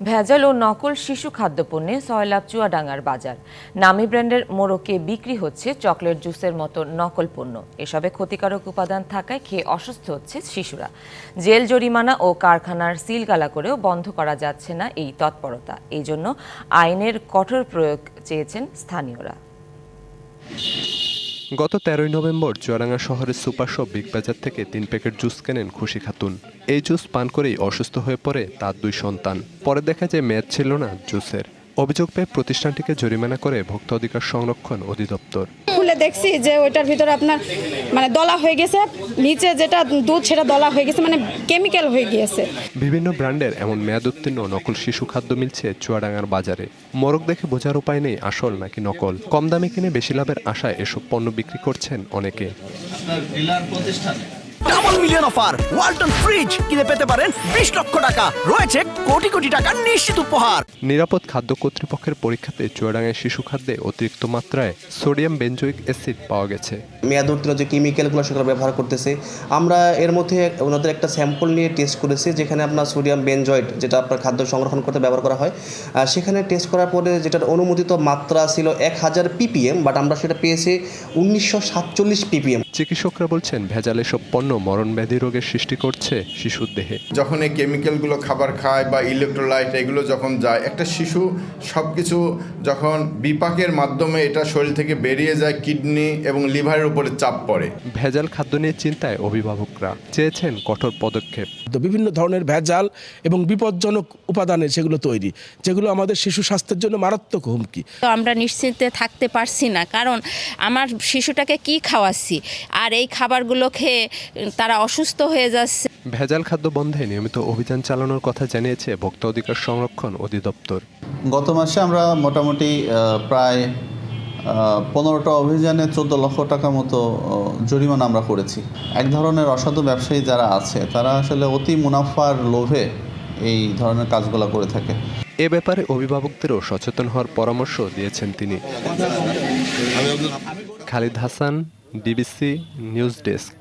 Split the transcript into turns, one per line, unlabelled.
ভেজাল ও নকল শিশু খাদ্যপণ্যে সয়লাব চুয়াডাঙ্গার বাজার। নামি ব্র্যান্ডের মোড়কে বিক্রি হচ্ছে চকলেট জুসের মতো নকল পণ্য। এসবে ক্ষতিকারক উপাদান থাকায় খেয়ে অসুস্থ হচ্ছে শিশুরা। জেল জরিমানা ও কারখানার সিলগালা করেও বন্ধ করা যাচ্ছে না এই তৎপরতা। এই জন্য আইনের কঠোর প্রয়োগ চেয়েছেন স্থানীয়রা।
গত 13ই নভেম্বর চুয়াডাঙ্গা শহরের সুপার শপ বিগ বাজার থেকে 3 প্যাকেট জুস কেনেন খুশি খাতুন। এই জুস পান করেই অসুস্থ হয়ে পড়ে তার 2 সন্তান। পরে দেখা যায় মেয়াদ ছিল না জুসের। অভিযোগ পেয়ে প্রতিষ্ঠানটিকে জরিমানা করে ভোক্তা অধিকার সংরক্ষণ অধিদপ্তর।
খুলে দেখছি যে ওইটার ভিতরে আপনার দলা হয়ে গেছে, নিচে যেটা দুধ সেটা দলা হয়ে গেছে, কেমিক্যাল হয়ে গিয়েছে।
বিভিন্ন ব্র্যান্ডের এমন মেয়াদ উত্তীর্ণ নকল শিশু খাদ্য মিলছে চুয়াডাঙ্গার বাজারে। মোড়ক দেখে বোঝার উপায় নেই আসল নাকি নকল। কম দামে কিনে বেশি লাভের আশায় এসব পণ্য বিক্রি করছেন অনেকে।
Double million offer Walton fridge কিনে পেতে পারেন 20 লক্ষ টাকা, রয়েছে কোটি কোটি টাকার নিশ্চিত উপহার।
নিরাপদ খাদ্য কর্তৃপক্ষের পরীক্ষাতে চুয়াডাঙ্গায় শিশু খাদ্যে অতিরিক্ত মাত্রায় সোডিয়াম বেনজোইক অ্যাসিড পাওয়া গেছে।
মেয়াদ উত্তীর্ণ যে কেমিক্যালগুলো সেগুলো ব্যবহার করতেছে, আমরা এর মধ্যে ওনাদের একটা স্যাম্পল নিয়ে টেস্ট করেছি, যেখানে আপনার সোডিয়াম বেনজয়েড যেটা আপনার খাদ্য সংরক্ষণ করতে ব্যবহার করা হয়, সেখানে টেস্ট করার পরে যেটার অনুমোদিত মাত্রা ছিল 1000 ppm, বাট আমরা সেটা পেয়েছি 1947 ppm।
চিকিৎসকরা বলছেন ভেজাল এসব পণ্য মরণব্যাধি রোগের সৃষ্টি করছে শিশুর দেহে।
যখন এই কেমিক্যালগুলো খাবার খায় বা ইলেকট্রোলাইট এগুলো যখন যায়, একটা শিশু সব কিছু যখন বিপাকের মাধ্যমে এটা শরীর থেকে বেরিয়ে যায়, কিডনি এবং লিভারের উপরে চাপ পড়ে।
ভেজাল খাদ্য নিয়ে চিন্তায় অভিভাবকরা চেয়েছেন কঠোর পদক্ষেপ।
বিভিন্ন ধরনের ভেজাল এবং বিপজ্জনক উপাদানে সেগুলো তৈরি, যেগুলো আমাদের শিশু স্বাস্থ্যের জন্য মারাত্মক হুমকি।
আমরা নিশ্চিন্তে থাকতে পারছি না, কারণ আমার শিশুটাকে কি খাওয়াচ্ছি, আর এই খাবারগুলো খেয়ে তারা অসুস্থ হয়ে যাচ্ছে।
ভেজাল খাদ্য বন্ধে নিয়মিত অভিযান চালানোর কথা জানিয়েছে ভোক্তা অধিকার সংরক্ষণ অধিদপ্তর।
গত মাসে আমরা মোটামুটি প্রায় 15টা অভিযানে 14 লক্ষ টাকা মতো জরিমানা আমরা করেছি। এক ধরনের অসাধু ব্যবসায়ী যারা আছে তারা আসলে অতি মুনাফার লোভে এই ধরনের কাজগুলো করে থাকে।
এ ব্যাপারে অভিভাবকদেরও সচেতন হওয়ার পরামর্শ দিয়েছেন তিনি। Khalid Hasan, DBC news desk.